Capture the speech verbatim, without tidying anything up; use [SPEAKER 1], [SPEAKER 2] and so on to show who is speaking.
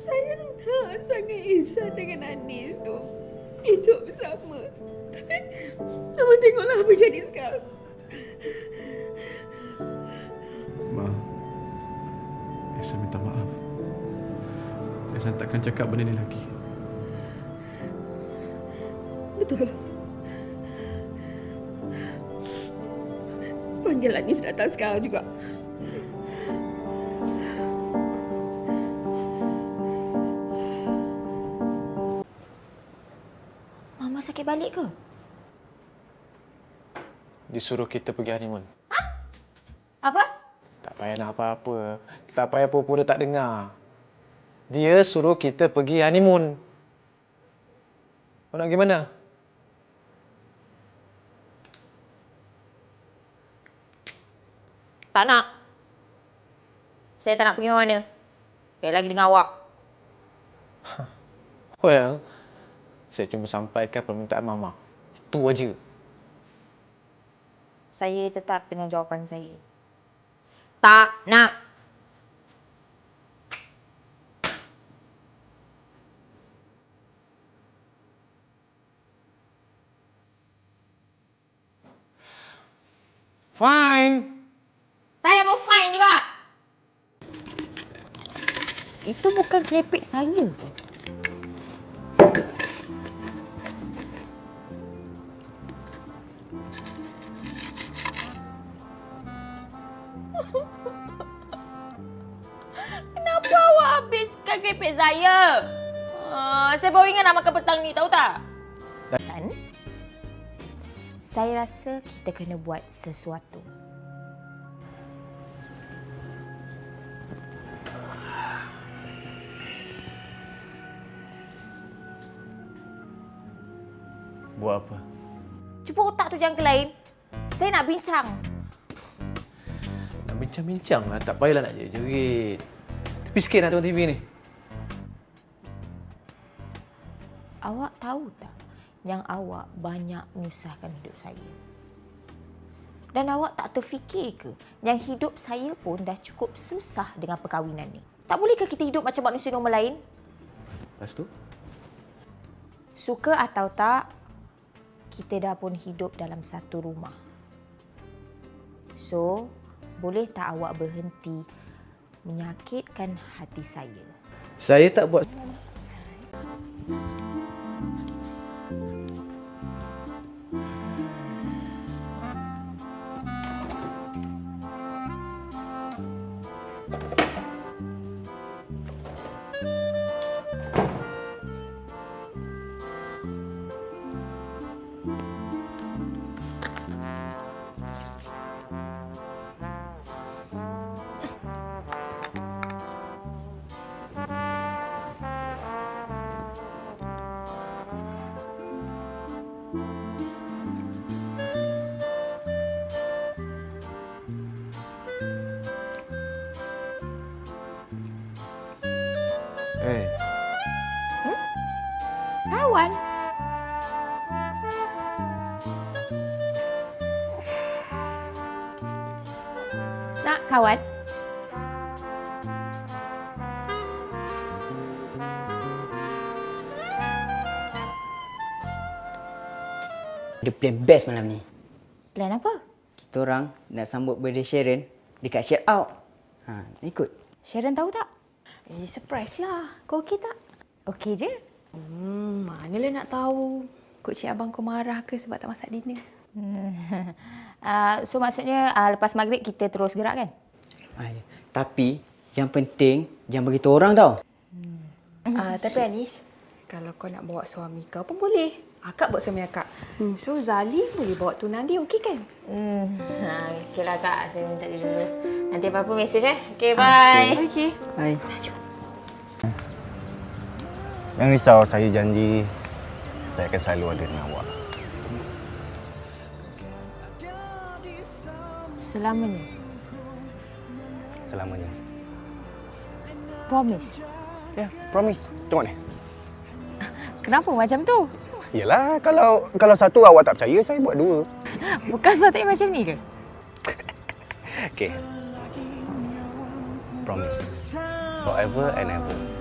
[SPEAKER 1] Saya nak sangat Ihsan dengan Anis tu hidup bersama. Tapi Mama tengoklah apa jadi sekarang.
[SPEAKER 2] Ma, Ihsan minta maaf. Ihsan takkan cakap benda ni lagi.
[SPEAKER 1] Betul. Panggil Anis datang sekarang juga.
[SPEAKER 3] Mama sakit balik ke?
[SPEAKER 4] Disuruh kita pergi honeymoon.
[SPEAKER 3] Apa?
[SPEAKER 4] Tak payah nak apa-apa. Tak payah pura-pura tak dengar. Dia suruh kita pergi honeymoon. Kau nak pergi mana?
[SPEAKER 3] Tak nak. Saya tak nak pergi mana. Sekali lagi dengan awak.
[SPEAKER 4] Well, saya cuma sampaikan permintaan Mama. Itu aja.
[SPEAKER 3] Saya tetap dengan jawapan saya. Tak nak.
[SPEAKER 4] Fine.
[SPEAKER 3] Saya pun fine juga. Itu bukan klepek saya. Kenapa awak habiskan klepek saya? Uh, saya baru ingat nak makan petang ni, tahu tak? San, saya rasa kita kena buat sesuatu.
[SPEAKER 4] Buat apa?
[SPEAKER 3] Cuba otak tu jangan ke lain. Saya nak bincang.
[SPEAKER 4] Nak bincang-bincang lah. Tak payahlah nak jerit-jerit. Tepi sikit nak tengok T V ni.
[SPEAKER 3] Awak tahu tak yang awak banyak menyusahkan hidup saya? Dan awak tak terfikir ke yang hidup saya pun dah cukup susah dengan perkahwinan ni? Tak bolehkah kita hidup macam manusia normal lain?
[SPEAKER 4] Lepas tu?
[SPEAKER 3] Suka atau tak, kita dah pun hidup dalam satu rumah. So, boleh tak awak berhenti menyakitkan hati saya?
[SPEAKER 4] Saya tak buat... Eh,
[SPEAKER 3] Kawan? Nak kawan?
[SPEAKER 5] Ada plan best malam ni.
[SPEAKER 3] Plan apa?
[SPEAKER 5] Kita orang nak sambut birthday Sharon dekat Share Out. Ha, nak ikut?
[SPEAKER 3] Sharon tahu tak?
[SPEAKER 6] Eh, surprise lah. Kau okey tak?
[SPEAKER 3] Okey je.
[SPEAKER 6] Hmm, manalah nak tahu. Kok cik abang kau marah ke sebab tak masak dinner?
[SPEAKER 3] uh, so maksudnya uh, lepas maghrib kita terus gerak kan?
[SPEAKER 5] Ha, ya. Tapi yang penting jangan beritahu orang tau.
[SPEAKER 6] Hmm. Uh, tapi Anis, kalau kau nak bawa suami kau pun boleh. Akak bawa suami akak. Hmm. So Zali boleh bawa tunang dia, okey kan?
[SPEAKER 3] Hmm. Ha, okeylah kak, saya minta dia dulu. Nanti apa-apa mesej eh. Okey, bye.
[SPEAKER 6] Okey.
[SPEAKER 5] Hai.
[SPEAKER 7] Jangan risau, saya janji saya akan selalu ada dengan awak.
[SPEAKER 3] Selamanya.
[SPEAKER 7] Selamanya.
[SPEAKER 3] Promise.
[SPEAKER 7] Ya, promise. Tengok ni.
[SPEAKER 6] Kenapa macam tu?
[SPEAKER 7] Yelah, kalau kalau satu awak tak percaya, saya buat dua.
[SPEAKER 6] Bukan sepatutnya macam ni ke?
[SPEAKER 7] Okey. Promise. Forever and ever.